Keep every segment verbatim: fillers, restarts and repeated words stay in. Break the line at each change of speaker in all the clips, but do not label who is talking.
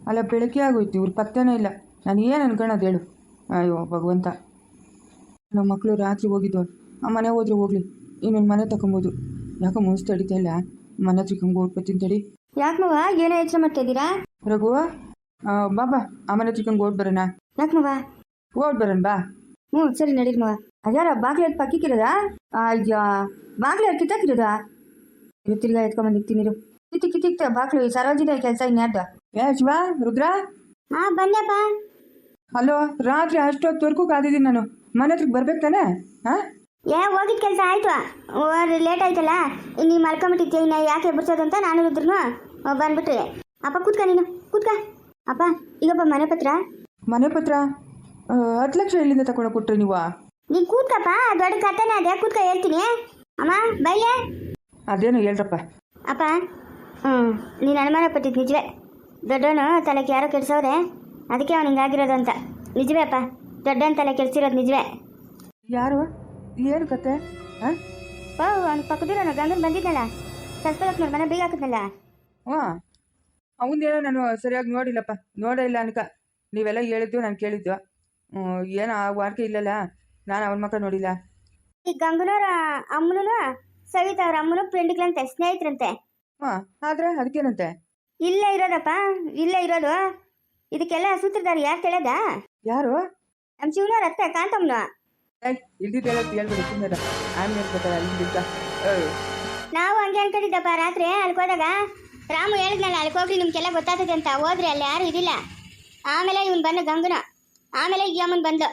ಅಲ್ಲ ಬೆಳಗ್ಗೆ ಆಗೋಯ್ತು, ಇವ್ರು ಪತ್ತೆನೇ ಇಲ್ಲ. ನಾನು ಏನು ಅನ್ಕೊಳ್ಳೋದು ಹೇಳು? ಅಯ್ಯೋ ಭಗವಂತ, ನಮ್ಮ ಮಕ್ಕಳು ರಾತ್ರಿ ಹೋಗಿದ್ದು, ಆ ಮನೆ ಹೋದ್ರೆ ಹೋಗ್ಲಿ, ಇನ್ನೊಂದು ಮನೆ ತಗೊಬೋದು. ಯಾಕೋ ಮುನ್ಸ್ ತಡಿತಾ ಇಲ್ಲ, ಮನೆ ಹತ್ರಕ್ಕೆ ಓಡ್ಬತ್ತೀನಿ ತಡಿ.
ಯಾಕಮ್ಮವ ಏನೋ ಯೋಚನೆ ಮಾಡ್ತಾ ಇದ್ದೀರಾ?
ರಘು, ಬಾಬಾ ಆ ಮನೆ ಹತ್ರಕ್ಕೆ ಓಡ್ ಬರೋಣ.
ಯಾಕಮ್ಮವ?
ಓಡ್ ಬರೋಣ ಬಾ.
ಹ್ಞೂ ಸರಿ ನಡೀರಿ ಮವ. ಅದ್ಯಾರ ಬಾಗ್ಲು ಎದ್ದು ಪಕ್ಕಿಕ್ಕಿರೋದಾ? ಅಯ್ಯೋ ಬಾಗ್ಲು ಯಾರು ಕಿತ್ತಾಕಿರೋದಾ? ಇರು ತಿರ್ಗಾ ಎತ್ಕೊಂಬಂದು ಇಕ್ತೀನಿರು. ಕಿತ್ತಿ ಕಿತ್ತಿಕ್ತ ಬಾಗ್ಲು ಸರೋಜಿನ ಕೆಲಸ ಇನ್ಯಾರ್ದು?
ಏ ಶಿವ, ರುದ್ರ.
ಹಾಂ ಬನ್ನಪ್ಪ.
ಹಲೋ, ರಾತ್ರಿ ಅಷ್ಟೊತ್ತವರೆಗೂ ಕಾದಿದ್ದೀನಿ ನಾನು. ಮನೆ ಹತ್ರಕ್ಕೆ ಬರ್ಬೇಕು ತಾನೆ? ಹಾಂ
ಏ ಹೋಗಿದ್ದ ಕೆಲಸ ಆಯ್ತು, ಲೇಟ್ ಆಯ್ತಲ್ಲ, ನೀನು ಮಲ್ಕೊಂಬಿಟ್ಟಿದ್ದೆ, ಇನ್ನು ಯಾಕೆ ಎಬ್ಬರ್ಸೋದು ಅಂತ ನಾನು ಇದ್ರು ಬಂದ್ಬಿಟ್ರೆ. ಅಪ್ಪ ಕೂತ್ಕ, ನೀನು ಕೂತ್ಕ. ಅಪ್ಪ ಈಗಪ್ಪ ಮನೆ ಪತ್ರ.
ಮನೆ ಪತ್ರ ಹತ್ತು ಲಕ್ಷ ಎಲ್ಲಿಂದ ತಗೊಂಡು ಕೊಟ್ರಿ ನೀವು?
ನೀನು ಕೂತ್ಕಪ್ಪ, ದೊಡ್ಡ ಕಥೆನೇ ಅದೇ, ಕೂತ್ಕ ಹೇಳ್ತೀನಿ. ಅಮ್ಮ ಬೈಲೆ.
ಅದೇನು ಹೇಳ್ರಪ್ಪ.
ಅಪ್ಪ ಹ್ಞೂ ನೀನು ಅನುಮಾನ ಪಟ್ಟಿದ್ದು ನಿಜವೇ. ದೊಡ್ಡವನು ತಲೆಗೆ ಯಾರೋ ಕೆಡ್ಸವ್ರೆ, ಅದಕ್ಕೆ ಅವ್ನು ಹಿಂಗಾಗಿರೋದು ಅಂತ. ನಿಜವೇ ಅಪ್ಪ, ದೊಡ್ಡವನ ತಲೆ ಕೆಡ್ಸಿರೋದು ನಿಜವೇ.
ಯಾರು? ಏನು ಕತೆ? ಹಾಂ
ಓ ಅವ್ನು ಪಕ್ಕದೂರನು ಗಂಗನ್ ಬಂದಿದ್ದಲ್ಲ, ಸಸ್ಪಲಕ್ನವ್ರ ಮನೆ ಬೀಗ ಹಾಕಿದ್ನಲ್ಲ.
ಹಾಂ ಅವನದೇನೋ ನಾನು ಸರಿಯಾಗಿ ನೋಡಿಲ್ಲಪ್ಪ, ನೋಡೇ ಇಲ್ಲ ಅನ್ಕ. ನೀವೆಲ್ಲ ಹೇಳಿದ್ದು ನಾನು ಕೇಳಿದ್ದು. ಏನೋ ಆ ವಾರ್ಕೆ ಇಲ್ಲಲ್ಲ, ನಾನು ಅವನ ಮಕ್ಕ ನೋಡಿಲ್ಲ.
ಈ ಗಂಗನವ್ರ ಅಮ್ಮನೂ ಸವಿತಾ ಅವ್ರ ಅಮ್ಮನೂ ಫ್ರೆಂಡ್ಗಳಂತೆ, ಸ್ನೇಹಿತರಂತೆ.
ಹಾಂ ಆದ್ರೆ ಅದಕ್ಕೇನಂತೆ?
ಇಲ್ಲೇ ಇರೋದಪ್ಪ, ಇಲ್ಲೇ ಇರೋದು. ಇದಕ್ಕೆಲ್ಲ ಸೂತ್ರಧಾರಿ ಯಾರು ಕೇಳದ?
ಯಾರು?
ನಮ್ಮ ಶಿವನವ್ರ ಅತ್ತೆ ಕಾಂತಮ್ಮನ.
ಇಲ್ದಿದ್ದು ಹೇಳೋದು ಹೇಳ್ಬೇಡಿ, ಸುಮ್ಮನೆ ಆಮೇಲೆ ಹೇಳ್ಬೇಕಲ್ಲ ಇಲ್ದಿದ್ದ.
ನಾವು ಹಂಗೆ ಅನ್ಕೊಂಡಿದ್ದಪ್ಪ. ರಾತ್ರಿ ಅಲ್ಲಿಗೆ ಹೋದಾಗ ರಾಮು ಹೇಳಿದ್ನಲ್ಲ, ಅಲ್ಲಿಗೆ ಹೋಗ್ರಿ ನಿಮ್ಗೆಲ್ಲ ಗೊತ್ತಾಗ್ತದೆ ಅಂತ. ಹೋದ್ರಿ ಅಲ್ಲಿ ಯಾರು ಇದಿಲ್ಲ. ಆಮೇಲೆ ಇವನು ಬಂದ ಗಂಗನ, ಆಮೇಲೆ ಈ ಅಮ್ಮನ್ ಬಂದು.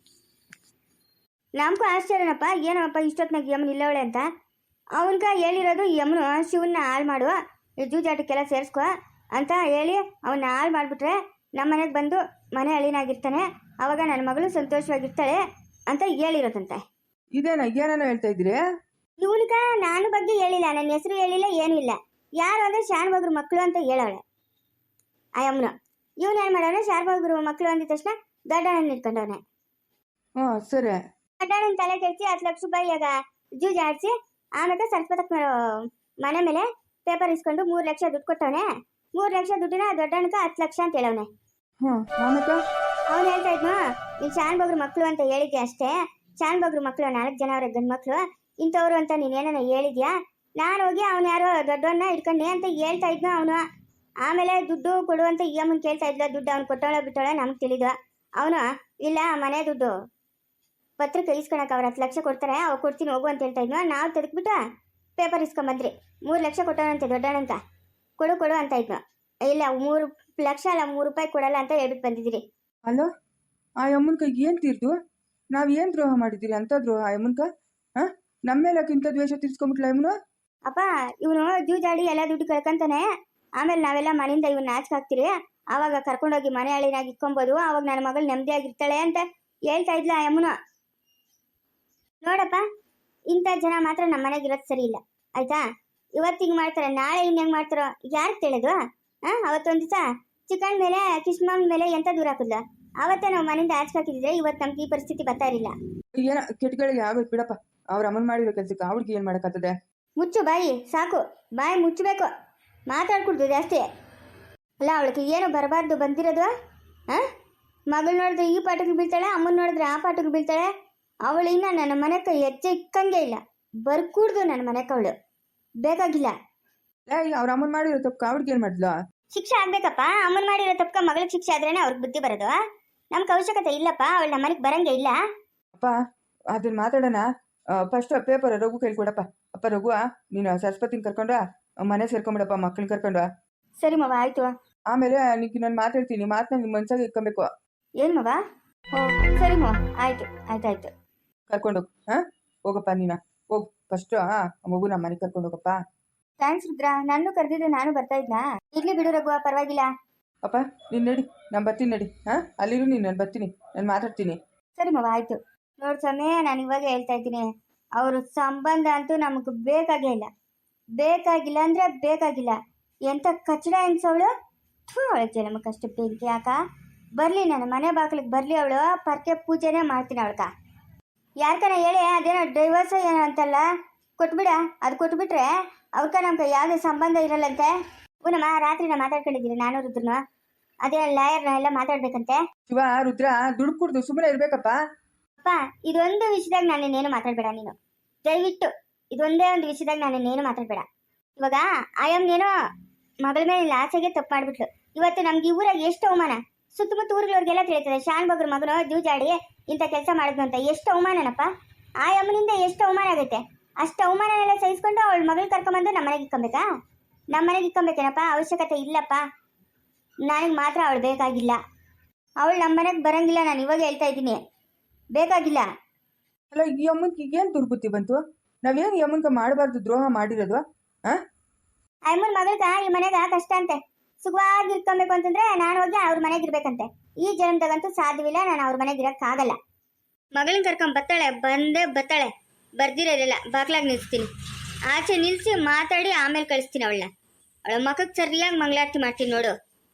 ನಮಗೂ ಆಶ್ಚರ್ಯನಪ್ಪ, ಏನಪ್ಪ ಇಷ್ಟೊತ್ತಿನಾಗ ಈ ಅಮ್ಮನ ಇಲ್ಲವಳೆ ಅಂತ. ಅವನ್ಗ ಹೇಳಿರೋದು ಈ ಅಮ್ಮನು ಶಿವನ್ನ ಹಾಳು ಮಾಡು, ಜೂಜಾಟಕ್ಕೆಲ್ಲ ಸೇರಿಸ್ಕೊ ಅಂತ ಹೇಳಿ ಅವನ್ನ ಹಾಳು ಮಾಡಿಬಿಟ್ರೆ ನಮ್ಮ ಮನೆಗೆ ಬಂದು ಮನೆ ಅಳಿನಾಗಿರ್ತಾನೆ, ಅವಾಗ ನನ್ನ ಮಗಳು ಸಂತೋಷವಾಗಿರ್ತಾಳೆ ಅಂತ ಹೇಳಿರೋದಂತೆ.
ಇದೇನ ಏನೇನೋ ಹೇಳ್ತಾ ಇದ್ದೀರಿ?
ಇವನ್ಗ ನಾನು ಬಗ್ಗೆ ಹೇಳಿಲ್ಲ, ನನ್ನ ಹೆಸರು ಹೇಳಿಲ್ಲ, ಏನೂ ಇಲ್ಲ. ಯಾರು ಅಂದರೆ ಶಾನ್ಭೋಗ್ರ ಮಕ್ಕಳು ಅಂತ ಹೇಳವಳೆ ಆ ಅಮ್ಮನ. ಇವನು ಏನು ಮಾಡೋಣ, ಶಾನ್ಭೋಗ್ರ ಮಕ್ಕಳು ಅಂದಿದ ತಕ್ಷಣ ದೊಡ್ಡಣ್ಣನ ಇಟ್ಕೊಂಡವನೆ.
ಹ್ಞೂ ಸರಿ.
ದೊಡ್ಡಣ್ಣನ ತಲೆ ಕೆಡಿಸಿ ಹತ್ತು ಲಕ್ಷ ರೂಪಾಯಿ ಆಗ ಜೂಜ್ ಆಡಿಸಿ, ಆಮೇಲೆ ಸ್ವಲ್ಪ ತಕ್ಕ ಮನೆ ಮೇಲೆ ಪೇಪರ್ ಇಸ್ಕೊಂಡು ಮೂರು ಲಕ್ಷ ದುಡ್ಡು ಕೊಟ್ಟವನೆ. ಮೂರು ಲಕ್ಷ ದುಡ್ಡಿನ ದೊಡ್ಡಣ್ಣಕ ಹತ್ತು ಲಕ್ಷ ಅಂತ ಹೇಳವನೆ.
ಹ್ಞೂ ಆಮೇಲೆ
ಅವ್ನು ಹೇಳ್ತಾ ಇದ್ನು, ನೀನು ಶಾನ್ಭೋಗ್ರ ಮಕ್ಕಳು ಅಂತ ಹೇಳಿದ್ಯಾ ಅಷ್ಟೇ, ಶಾನ್ಭೋಗ್ರ ಮಕ್ಕಳು ನಾಲ್ಕು ಜನ ಅವ್ರ ಗಂಡು ಮಕ್ಕಳು ಇಂಥವ್ರು ಅಂತ ನೀನೇನ ಹೇಳಿದ್ಯಾ. ನಾನು ಹೋಗಿ ಅವನು ಯಾರೋ ದೊಡ್ಡವನ್ನ ಇಟ್ಕೊಂಡೆ ಅಂತ ಹೇಳ್ತಾ ಇದ್ನು ಅವನು. ಆಮೇಲೆ ದುಡ್ಡು ಕೊಡುವಂತ ಈ ಅಮ್ಮನ ಕೇಳ್ತಾ ಇದ್ಲ, ದುಡ್ಡು ಅವ್ನು ಕೊಟ್ಟವಳೆ ಬಿಟ್ಟವಳೆ ನಮ್ಗೆ ತಿಳಿದು. ಅವನು ಇಲ್ಲ ಮನೆ ದುಡ್ಡು ಪತ್ರಕ್ಕೆ ಇಸ್ಕೊಳಕ್ಕೆ ಅವ್ರು ಹತ್ತು ಲಕ್ಷ ಕೊಡ್ತಾರೆ, ಅವಾಗ ಕೊಡ್ತೀನಿ ಹೋಗು ಅಂತ ಹೇಳ್ತಾ ಇದ್ನು. ನಾವು ತೆಗೆದ್ಬಿಟ್ಟು ಪೇಪರ್ ಇಸ್ಕೊಂಬಂದ್ರಿ. ಮೂರು ಲಕ್ಷ ಕೊಟ್ಟವನಂತೆ ದೊಡ್ಡವನಂತ, ಕೊಡು ಕೊಡು ಅಂತ ಇದ್ನು. ಇಲ್ಲ ಮೂರು ಲಕ್ಷ ಅಲ್ಲ, ಮೂರು ರೂಪಾಯಿ ಕೊಡಲ್ಲ ಅಂತ ಹೇಳ್ಬಿಟ್ಟು ಬಂದಿದ್ದೀರಿ.
ಅಲೋ, ಆ ಅಮ್ಮನ ಕೈಗೆ ಏನು ತೀರ್ದು? ನಾವು ಏನು ದ್ರೋಹ ಮಾಡಿದ್ದೀರಿ ಅಂತ ದ್ರೋಹ ಆ ಅಮ್ಮನ್ಕ? ಹಾಂ ನಮ್ಮ ಮೇಲೆ ಇಂಥ ದ್ವೇಷ ತೀರ್ಸ್ಕೊಂಬಿಟ್ಲ ಅಮ್ಮನು?
ಅಪ್ಪ ಇವನು ಜೂಜಾಡಿ ಎಲ್ಲ ದುಡ್ಡು ಕಳ್ಕೊಂತಾನೆ, ಆಮೇಲೆ ನಾವೆಲ್ಲ ಮನೆಯಿಂದ ಇವನ್ನ ನಾಚಿಕೆ ಹಾಕ್ತೀರಿ, ಆವಾಗ ಕರ್ಕೊಂಡೋಗಿ ಮನೆ ಹಳಿನಾಗಿ ಇಕ್ಕೊಬೋದು, ಆವಾಗ ನನ್ನ ಮಗಳು ನೆಮ್ಮದಿಯಾಗಿರ್ತಾಳೆ ಅಂತ ಹೇಳ್ತಾ ಇದ್ಲ ಆ ಅಮ್ಮನು. ನೋಡಪ್ಪ, ಇಂಥ ಜನ ಮಾತ್ರ ನಮ್ಮ ಮನೆಗೆ ಇರೋದು ಸರಿ ಇಲ್ಲ ಆಯ್ತಾ. ಇವತ್ತು ಹಿಂಗೆ ಮಾಡ್ತಾರೆ, ನಾಳೆ ಇನ್ನು ಹೆಂಗೆ ಮಾಡ್ತಾರೋ ಯಾರು ತಿಳಿದು? ಹಾಂ ಅವತ್ತೊಂದು ದಿವಸ ಚಿಕನ್ ಮೇಲೆ ಕಿಶ್ಮಾನ್ ಮೇಲೆ ಎಂತ ದೂರ ಹಾಕಿದ್ಲ, ಅವತ್ತೇ ನಾವು ಮನೆಯಿಂದ ಆಚೆ ಹಾಕಿದ್ರೆ ಇವತ್ತು ನಮ್ಗೆ ಈ ಪರಿಸ್ಥಿತಿ ಬರ್ತಾ ಇರಲಿಲ್ಲ.
ಏನ ಕೆಟ್ಟಗಳಿಗೆ ಆಗೋದು ಬಿಡಪ್ಪ, ಅವ್ರ ಅಮ್ಮನ ಮಾಡಿರೋ ಕೆಲಸಕ್ಕೆ ಅವ್ಳಿಗೆ ಏನು ಮಾಡೋಕ್ಕಾಗ್ತದೆ?
ಮುಚ್ಚು ಬಾಯಿ, ಸಾಕು ಬಾಯಿ ಮುಚ್ಚಬೇಕು, ಮಾತಾಡ್ಕೊಡ್ದು ಜಾಸ್ತಿ. ಅಲ್ಲ ಅವಳಿಗೆ ಏನು ಬರಬಾರ್ದು ಬಂದಿರೋದು. ಹಾಂ ಮಗಳು ನೋಡಿದ್ರೆ ಈ ಪಾಠಕ್ಕೆ ಬೀಳ್ತಾಳೆ, ಅಮ್ಮನ ನೋಡಿದ್ರೆ ಆ ಪಾಠಕ್ಕೆ ಬೀಳ್ತಾಳೆ. ಅವಳು ಇನ್ನ ನನ್ನ ಮನೆಗೆ ಹೆಜ್ಜೆ ಇಕ್ಕಂಗೆ ಇಲ್ಲ, ಬರ್ಕೂಡ್ದು ನನ್ನ ಮನೆಗೆ ಅವಳು ಬೇಕಾಗಿಲ್ಲ.
ಏಯ್ ಅವ್ರ ಅಮ್ಮನ ಮಾಡಿರೋ ತಪ್ಪು ಅವ್ಳಿಗೆ ಏನು ಮಾಡಿದ್ಲ?
ಶಿಕ್ಷೆ ಆಗ್ಬೇಕಪ್ಪ. ಅಮ್ಮನ ಮಾಡಿರೋ ತಪ್ಪಕ ಮಗಳಿಗೆ ಶಿಕ್ಷೆ ಆದ್ರೇನೆ ಅವ್ರಿಗೆ ಬುದ್ಧಿ ಬರೋದು. ನಮ್ಗೆ ಅವಶ್ಯಕತೆ ಇಲ್ಲಪ್ಪ, ಅವಳು ನಮ್ಮ ಮನೆಗೆ ಬರಂಗೆ ಇಲ್ಲ.
ಅಪ್ಪ ಅದನ್ನ ಮಾತಾಡೋಣ. ಫಸ್ಟ್ ಪೇಪರ್ ರಘು ಕೇಳ್ಕೊಡಪ್ಪ. ಅಪ್ಪ ರಘು, ನೀನು ಸರಸ್ವತಿನ ಕರ್ಕೊಂಡು ಮನೆ ಸೇರ್ಕೊಂಬಿಡಪ್ಪ, ಮಕ್ಕಳನ್ನ ಕರ್ಕೊಂಡು.
ಸರಿ ಮವ ಆಯ್ತು.
ಆಮೇಲೆ ನಿಂಗೆ ನಾನು ಮಾತಾಡ್ತೀನಿ, ಮಾತನ್ನ ನಿಮ್ಮ ಮನ್ಸಾಗ ಇಟ್ಕೊಬೇಕು.
ಏನು ಮವ? ಓ ಸರಿ ಮವ ಆಯ್ತು ಆಯ್ತಾಯ್ತು.
ಕರ್ಕೊಂಡು ಹೋಗು. ಹಾಂ ಹೋಗಪ್ಪ, ನೀನು ಹೋಗು ಫಸ್ಟು. ಹಾಂ ಮಗು ನಮ್ಮ ಮನೆಗೆ ಕರ್ಕೊಂಡು ಹೋಗಪ್ಪ.
ಥ್ಯಾಂಕ್ಸ್ ರುದ್ರ, ನಾನು ಕರೆದಿದ್ದು ನಾನು ಬರ್ತಾ ಇದ್ನಾ. ಇರ್ಲಿ ಬಿಡು ರಘು, ಪರವಾಗಿಲ್ಲ.
ಅಪ್ಪ ನೀನು ನಡಿ, ನಾನು ಬರ್ತೀನಿ ನಡಿ. ಹಾಂ ಅಲ್ಲಿರು ನೀನು, ನಾನು ಬರ್ತೀನಿ, ನಾನು ಮಾತಾಡ್ತೀನಿ.
ಸರಿ ಮವ ಆಯ್ತು. ನೋಡಿ ಸಮಯ ನಾನು ಇವಾಗ ಹೇಳ್ತಾ ಇದ್ದೀನಿ, ಅವ್ರ ಸಂಬಂಧ ಅಂತೂ ನಮಗೆ ಬೇಕಾಗೇ ಇಲ್ಲ, ಬೇಕಾಗಿಲ್ಲ ಅಂದರೆ ಬೇಕಾಗಿಲ್ಲ. ಎಂಥ ಕಚ್ಚಡ ಹೆಂಗ್ಸವಳು, ಥೂ ಅವಳಿಗೆ ನಮಗೆ ಅಷ್ಟು ಬೆಂಕಿ ಯಾಕ. ಬರಲಿ ನನ್ನ ಮನೆ ಬಾಗಿಲಿಗೆ ಬರಲಿ, ಅವಳು ಪರ್ಕೆ ಪೂಜೆನೇ ಮಾಡ್ತೀನಿ ಅವಳ್ಕ. ಯಾರ್ಕನ ಹೇಳಿ ಅದೇನೋ ಡೈವರ್ಸ್ ಏನೋ ಅಂತಲ್ಲ, ಕೊಟ್ಬಿಡ. ಅದು ಕೊಟ್ಬಿಟ್ರೆ ಅವ್ಕ ನಮ್ಗೆ ಯಾವುದೇ ಸಂಬಂಧ ಇರಲ್ಲಂತೆ. ಪುನಮ್ಮ ರಾತ್ರಿ ನಾ ಮಾತಾಡ್ಕೊಂಡಿದ್ದೀನಿ ನಾನು ರುದ್ರನು. ಅದೇ ಲಾಯರ್ನ ಎಲ್ಲ ಮಾತಾಡ್ಬೇಕಂತೆ.
ಶಿವ ರುದ್ರ ದುಡ್ಡು ಕುಡ್ದು ಸುಮ್ಮನೆ ಇರ್ಬೇಕಪ್ಪ.
ಅಪ್ಪ ಇದೊಂದು ವಿಷಯದಾಗ ನಾನೇನೇನು ಮಾತಾಡ್ಬೇಡ ನೀನು, ದಯವಿಟ್ಟು ಇದೊಂದೇ ಒಂದು ವಿಷಯದಾಗ ನಾನೇನೇನು ಮಾತಾಡ್ಬೇಡ. ಇವಾಗ ಆಯಮ್ಮನೇನೋ ಮಗಳ ಮೇಲೆ ಆಸೆಗೆ ತಪ್ಪು ಮಾಡ್ಬಿಟ್ಲು. ಇವತ್ತು ನಮ್ಗೆ ಈ ಊರಾಗ ಎಷ್ಟು ಅವಮಾನ, ಸುತ್ತಮುತ್ತ ಊರುಗಳವ್ರಿಗೆಲ್ಲ ತಿಳಿತದೆ ಶಾನ್ ಬಗ್ರ ಮಗನು ಜೂಜಾಡಿ ಇಂಥ ಕೆಲಸ ಮಾಡಿದ್ನು ಅಂತ. ಎಷ್ಟು ಅವಮಾನನಪ್ಪ, ಆಯಮ್ಮನಿಂದ ಎಷ್ಟು ಅವಮಾನ ಆಗೈತೆ. ಅಷ್ಟು ಅವಮಾನನೆಲ್ಲ ಸಹಿಸ್ಕೊಂಡು ಅವಳ ಮಗಳು ಕರ್ಕೊಂಬಂದು ನಮ್ಮ ಮನೆಗೆ ಇಕ್ಕೊಬೇಕಾ? ನಮ್ಮ ಮನೆಗೆ ಇಕ್ಕೊಬೇಕೇನಪ್ಪ? ಅವಶ್ಯಕತೆ ಇಲ್ಲಪ್ಪ. ನನಗೆ ಮಾತ್ರ ಅವಳು ಬೇಕಾಗಿಲ್ಲ. ಅವಳು ನಮ್ಮ ಮನೆಗೆ ಬರಂಗಿಲ್ಲ, ನಾನು ಇವಾಗ ಹೇಳ್ತಾ ಇದ್ದೀನಿ, ಬೇಕಾಗಿಲ್ಲ.
ಅಲ್ಲ ಈ ಅಮ್ಮನ್ಗೆ ಈಗೇನು ದುರ್ಬುದ್ಧಿ ಬಂತು? ನಾವೇನು ಈ ಅಮ್ಮನ್ಗೆ ಮಾಡಬಾರ್ದು ದ್ರೋಹ ಮಾಡಿರೋದು? ಹಾಂ
ಅಮ್ಮನ ಮಗಳ್ಗ ಈ ಮನೆಗ ಕಷ್ಟ ಅಂತೆ, ಸುಖವಾಗಿ ಇಟ್ಕೊಬೇಕು ಅಂತಂದ್ರೆ ನಾನು ಹೋಗಿ ಅವ್ರ ಮನೆಗೆ ಇರ್ಬೇಕಂತೆ. ಈ ಜನ್ಮದಾಗಂತೂ ಸಾಧ್ಯವಿಲ್ಲ, ನಾನು ಅವ್ರ ಮನೆಗೆ ಇರೋಕ್ಕಾಗಲ್ಲ. ಮಗಳನ್ನ ಕರ್ಕೊಂಡ್ ಬತ್ತಾಳೆ, ಬಂದೇ ಬತ್ತಾಳೆ, ಬರ್ದಿರೋದಿಲ್ಲ. ಬಾಗ್ಲಾಗ ನಿಲ್ಸ್ತೀನಿ, ಆಚೆ ನಿಲ್ಸಿ ಮಾತಾಡಿ ಆಮೇಲೆ ಕಳಿಸ್ತೀನಿ ಅವಳನ್ನ. ಅವಳ ಮಕ್ಕಕ್ಕೆ ಸರಿಯಾಗಿ ಮಂಗಳಾರತಿ ಮಾಡ್ತೀನಿ ನೋಡು.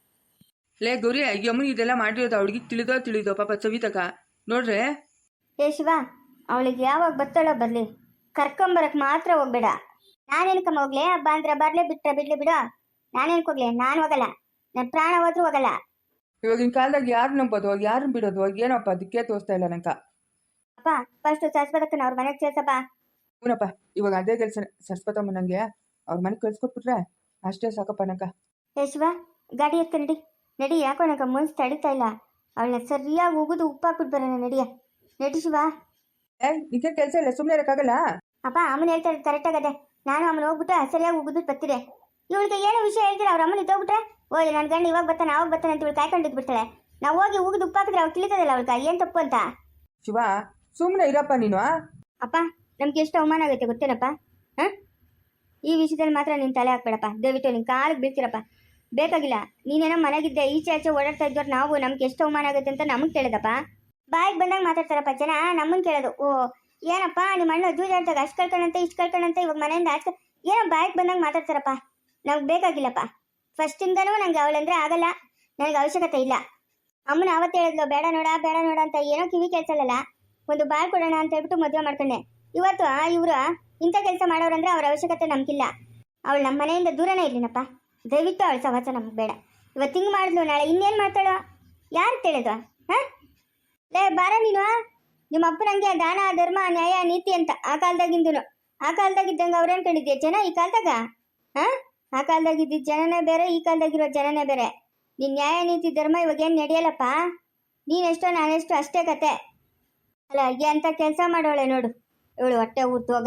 ಲೇ ಗೌರಿ, ಈ ಅಮ್ಮನ ಇದೆಲ್ಲ ಮಾಡಿರೋದು ಅವಳಿಗೆ ತಿಳಿದೋ ತಿಳಿದೋ ಪಾಪ ಸವಿತಕ ನೋಡ್ರೆ.
ಏ ಶಿವ, ಅವಳಿಗೆ ಯಾವಾಗ ಬತ್ತಾಳೋ ಬರ್ಲಿ, ಕರ್ಕೊಂಬರಕ್ ಮಾತ್ರ ಹೋಗ್ಬೇಡ. ನಾನೇನಕಮ್ಮ ಹೋಗ್ಲಿ? ಹಬ್ಬ ಅಂದ್ರೆ ಬರ್ಲಿ, ಬಿಟ್ರೆ ಬಿಡ್ಲಿ ಬಿಡು. ನಾನೇನಕ್ಕೆ ಹೋಗ್ಲಿ? ನಾನು ಹೋಗಲ್ಲ, ನನ್ನ ಪ್ರಾಣ ಹೋದ್ರೂ ಹೋಗಲ್ಲ.
ಇವಾಗಿನ ಕಾಲದಾಗ ಯಾರು ನಂಬೋದು, ಯಾರನ್ನ ಬಿಡೋದು? ಏನಪ್ಪ ದಿಕ್ಕೇ ತೋರಿಸ್ತಾ ಇಲ್ಲ ನಂಕ.
ಅಪ್ಪ ಫಸ್ಟ್ ಸರಸ್ವತಕ್ಕನ ಅವ್ರ ಮನೆಗೆ ಸೇರ್ಸಪ್ಪ.
ಹೂನಪ್ಪ, ಇವಾಗ ಅದೇ ಕೆಲಸ. ಸರಸ್ವತಮ್ಮ ನನಗೆ ಅವ್ರ ಮನೆಗೆ ಕಳ್ಸ್ಕೊಟ್ಬಿಟ್ರೆ ಅಷ್ಟೇ ಸಾಕಪ್ಪ ನಂಕ.
ಏ ಶಿವ, ಗಾಡಿ ಎತ್ತ ನಡಿ ನಡಿ. ಯಾಕೋ ನಂಗೆ ಮನ್ಸು ತಡಿತಾ ಇಲ್ಲ. ಅವಳನ್ನ ಸರಿಯಾಗಿ ಉಗಿದು ಉಪ್ಪಾಕ್ಬಿಟ್ಟು ಬರೋಣ. ನಡಿಯ ನಡಿ ಶಿವ.
ಏ ನಿಂಗೆ ಕೆಲಸ ಇಲ್ಲ, ಸುಮ್ಮನೆ ಇರೋಕ್ಕಾಗಲ್ಲ.
ಅಪ್ಪ ಅಮ್ಮನ ಹೇಳ್ತಾ ಇರೋದು ಕರೆಕ್ಟ್ ಆಗದೆ. ನಾನು ಅಮ್ಮನ ಹೋಗ್ಬಿಟ್ಟು ಸರಿಯಾಗಿ ಉಗಿದ್ಬಿಟ್ಟು ಬರ್ತೀರಿ. ಇವಳಿಗೆ ಏನು ವಿಷಯ ಹೇಳ್ತೀರ? ಅವ್ರ ಅಮ್ಮನ ಇದ್ದೋಗ್ಬಿಟ್ರೆ, ಓ ನನ್ನ ಗಂಡು ಇವಾಗ ಬರ್ತಾನೆ ಅವಾಗ ಬರ್ತಾನೆ ಅಂತ ಇವಳು ಕಾಯ್ಕೊಂಡಿದ್ದು ಬಿಡ್ತಾಳೆ. ನಾವು ಹೋಗಿ ಉಗಿದು ಉಪ್ಪಾಕಿದ್ರೆ ಅವ್ಳು ತಿಳಿತದಲ್ಲ ಅವಳ್ಗ ಏನು ತಪ್ಪು ಅಂತ.
ಶಿವ ಸುಮ್ಮನೆ ಇರಪ್ಪ ನೀನು.
ಅಪ್ಪ ನಮ್ಗೆ ಎಷ್ಟು ಅವಮಾನ ಆಗುತ್ತೆ ಗೊತ್ತೇನಪ್ಪ? ಹಾಂ, ಈ ವಿಷಯದಲ್ಲಿ ಮಾತ್ರ ನೀನು ತಲೆ ಹಾಕ್ಬೇಡಪ್ಪ, ದಯವಿಟ್ಟು ನಿನ್ನ ಕಾಲಿಗೆ ಬೀಳ್ತೀರಪ್ಪ. ಬೇಕಾಗಿಲ್ಲ, ನೀನೇನೋ ಮನೆಗಿದ್ದೆ ಈಚೆ ಆಚೆ ಓಡಾಡ್ತಾ ಇದ್ದವ್ರು ನಾವು ನಮ್ಗೆ ಎಷ್ಟು ಅವಮಾನ ಆಗುತ್ತೆ ಅಂತ ನಮಗೆ ಕೇಳೋದಪ್ಪ. ಬಾಯಿಗೆ ಬಂದಾಗ ಮಾತಾಡ್ತಾರಪ್ಪ ಜನ, ನಮ್ಮನ್ನು ಕೇಳೋದು. ಓ ಏನಪ್ಪ ನಿಮ್ಮ ಅಣ್ಣ ಜೂಜಾಡ್ದಾಗ ಅಷ್ಟು ಕಳ್ಕೊಂಡಂತೆ ಇಷ್ಟು ಕಳ್ಕೊಂಡಂತೆ ಇವಾಗ ಮನೆಯಿಂದ ಆಚೆ ಏನೋ ಬಾಯಿಗೆ ಬಂದಾಗ ಮಾತಾಡ್ತಾರಪ್ಪ. ನಮ್ಗೆ ಬೇಕಾಗಿಲ್ಲಪ್ಪ. ಫಸ್ಟಿಂದನೂ ನನಗೆ ಅವಳಂದ್ರೆ ಆಗಲ್ಲ, ನನಗೆ ಅವಶ್ಯಕತೆ ಇಲ್ಲ. ಅಮ್ಮನ ಅವತ್ತು ಹೇಳಿದ್ಲು ಬೇಡ ನೋಡ ಬೇಡ ನೋಡ ಅಂತ, ಏನೋ ಕಿವಿ ಕೇಳ್ಸಲ್ಲ. ಒಂದು ಬಾಳ್ ಕೊಡೋಣ ಅಂತ ಹೇಳ್ಬಿಟ್ಟು ಮದುವೆ ಮಾಡ್ಕೊಂಡೆ. ಇವತ್ತು ಇವರು ಇಂಥ ಕೆಲಸ ಮಾಡೋರಂದ್ರೆ ಅವ್ರ ಅವಶ್ಯಕತೆ ನಮಗಿಲ್ಲ. ಅವಳು ನಮ್ಮ ಮನೆಯಿಂದ ದೂರನೇ ಇರ್ಲಿನಪ್ಪ. ದಯವಿಟ್ಟು ಅವಳ ಸಹವಾಸ ನಮ್ಗೆ ಬೇಡ. ಇವತ್ತು ಹಿಂಗೆ ಮಾಡಿದ್ಲು, ನಾಳೆ ಇನ್ನೇನು ಮಾಡ್ತಾಳೋ ಯಾರು ತಿಳಿದು? ಹಾಂ ಲೇ ಬಾರ ನೀನು. ನಿಮ್ಮ ಅಪ್ಪನಂಗೆ ದಾನ ಧರ್ಮ ನ್ಯಾಯ ನೀತಿ ಅಂತ ಆ ಕಾಲದಾಗಿಂದನು. ಆ ಕಾಲದಾಗಿದ್ದಂಗೆ ಅವ್ರು ಅನ್ಕೊಂಡಿದ್ಯಾ ಜನ ಈ ಕಾಲದಾಗ? ಹಾಂ, ಆ ಕಾಲದಾಗಿದ್ದಿದ್ದ ಜನನೇ ಬೇರೆ, ಈ ಕಾಲದಾಗಿರೋ ಜನನೇ ಬೇರೆ. ನಿನ್ನ ನ್ಯಾಯ ನೀತಿ ಧರ್ಮ ಇವಾಗೇನು ನಡೆಯಲ್ಲಪ್ಪ. ನೀನೆಷ್ಟೋ ನಾನೆಷ್ಟೋ ಅಷ್ಟೇ ಕತೆ. ಅಲ್ಲ ಅಂತ ಕೆಲಸ ಮಾಡೋಳೆ ನೋಡು ಇವಳು. ಹೊಟ್ಟೆ ಊರ್ತೋಗ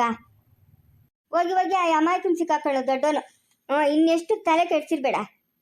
ಹೋಗಿ ಹೋಗಿ ಆ ಅಮಾಯಕನ ಸಿಕ್ಕಾಕೊಳ್ಳೋ ದೊಡ್ಡವನು. ಹ್ಞೂ, ಇನ್ನೆಷ್ಟು ತಲೆ ಕೆಡ್ಸಿರ್ಬೇಡ.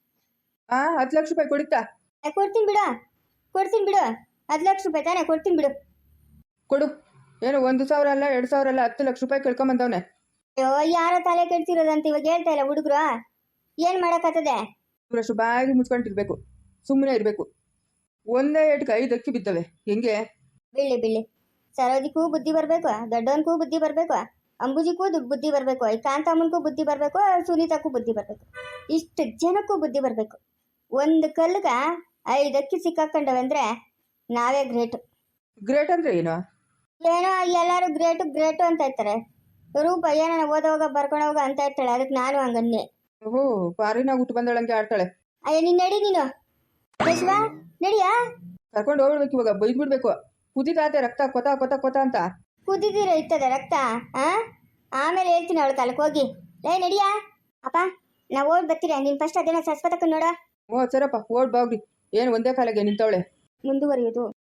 ಹಾಂ ಹತ್ತು ಲಕ್ಷ ರೂಪಾಯಿ ಕೊಡುತ್ತಾ?
ಕೊಡ್ತೀನಿ ಬಿಡು, ಕೊಡ್ತೀನಿ ಬಿಡು. ಹತ್ತು ಲಕ್ಷ ರೂಪಾಯಿ ತಾನೇ, ಕೊಡ್ತೀನಿ ಬಿಡು.
ಕೊಡು. ಏನು ಒಂದು ಸಾವಿರ ಅಲ್ಲ ಎರಡು ಸಾವಿರ ಅಲ್ಲ, ಹತ್ತು ಲಕ್ಷ ರೂಪಾಯಿ ಕಳ್ಕೊಂಬಂದವನೆ.
ಅಯ್ಯೋ ಯಾರೋ ತಲೆ ಕೆಡ್ಸಿರೋದಂತ ಇವಾಗ ಹೇಳ್ತಾ ಇಲ್ಲ ಹುಡುಗರು. ಏನು ಮಾಡೋಕ್ಕಾಗ್ತದೆ?
ಇವರಷ್ಟು ಬಾಗಿ ಮುಚ್ಕೊಂಡಿರ್ಬೇಕು, ಸುಮ್ಮನೆ ಇರಬೇಕು. ಒಂದೇ ಏಟ್ಗೆ ಐದು ಅಕ್ಕಿ ಬಿದ್ದವೆ ಹೆಂಗೆ?
ಬೀಳಿ ಬೀಳಿ. ಸರೋಜಿಗೂ ಬುದ್ಧಿ ಬರಬೇಕು, ದೊಡ್ಡವನಿಗೂ ಬುದ್ಧಿ ಬರಬೇಕು, ಅಂಬುಜಿಗೂ ಬುದ್ಧಿ ಬರಬೇಕು, ಈ ಕಾಂತಮ್ಮನಿಗೂ ಬುದ್ಧಿ ಬರಬೇಕು, ಸುನೀತಕ್ಕೂ ಬುದ್ಧಿ ಬರಬೇಕು, ಇಷ್ಟು ಜನಕ್ಕೂ ಬುದ್ಧಿ ಬರಬೇಕು. ಒಂದು ಕಲ್ಗ ಐದು ಅಕ್ಕಿ ಸಿಕ್ಕಾಕೊಂಡವೆ ಅಂದರೆ ನಾವೇ ಗ್ರೇಟು.
ಗ್ರೇಟ್ ಅಂದರೆ ಏನು?
ಏನೋ ಎಲ್ಲರೂ ಗ್ರೇಟು ಗ್ರೇಟು ಅಂತ ಇರ್ತಾರೆ. ರೂಪ ಏನೋ ಓದೋವಾಗ ಬರ್ಕೊಂಡೋಗ ಅಂತ ಇರ್ತಾಳೆ, ಅದಕ್ಕೆ ನಾನು ಹಂಗನ್ನೆ.
ಓಹೋ, ಪಾರಿನಾಗ ಹುಟ್ಟು ಬಂದಳಂಗೆ ಆಡ್ತಾಳೆ.
ಅಯ್ಯ ನೀನು ನಡಿ, ನೀನು ಶಿವ ನಡಿಯಾ.
ಕರ್ಕೊಂಡು ಹೋಗ್ಬಿಡ್ಬೇಕು, ಇವಾಗ ಬೈದ್ಬಿಡ್ಬೇಕು. ಕುದಿತಾತೆ ರಕ್ತ ಕೊತ ಕೊತ ಕೊತ ಅಂತ.
ಕುದಿದಿರ ಇರ್ತದೆ ರಕ್ತ. ಆ ಆಮೇಲೆ ಹೇಳ್ತೀನಿ ಅವಳ ಕಾಲಕ್ಕೆ ಹೋಗಿ. ಏ ನಡಿಯಾ. ಅಪ್ಪ ನಾವು ಓಡ್ ಬರ್ತೀರಾ? ನೀನು ಫಸ್ಟ್ ಅದೇನೋ ಸರಸ್ವತಕ್ಕ ನೋಡ.
ಓ ಸರಪ್ಪ, ಓಡ್ ಬಾಗ್ರಿ. ಏನು ಒಂದೇ ಕಾಲಿಗೆ ನಿಂತವಳೆ.
ಮುಂದುವರಿಯೋದು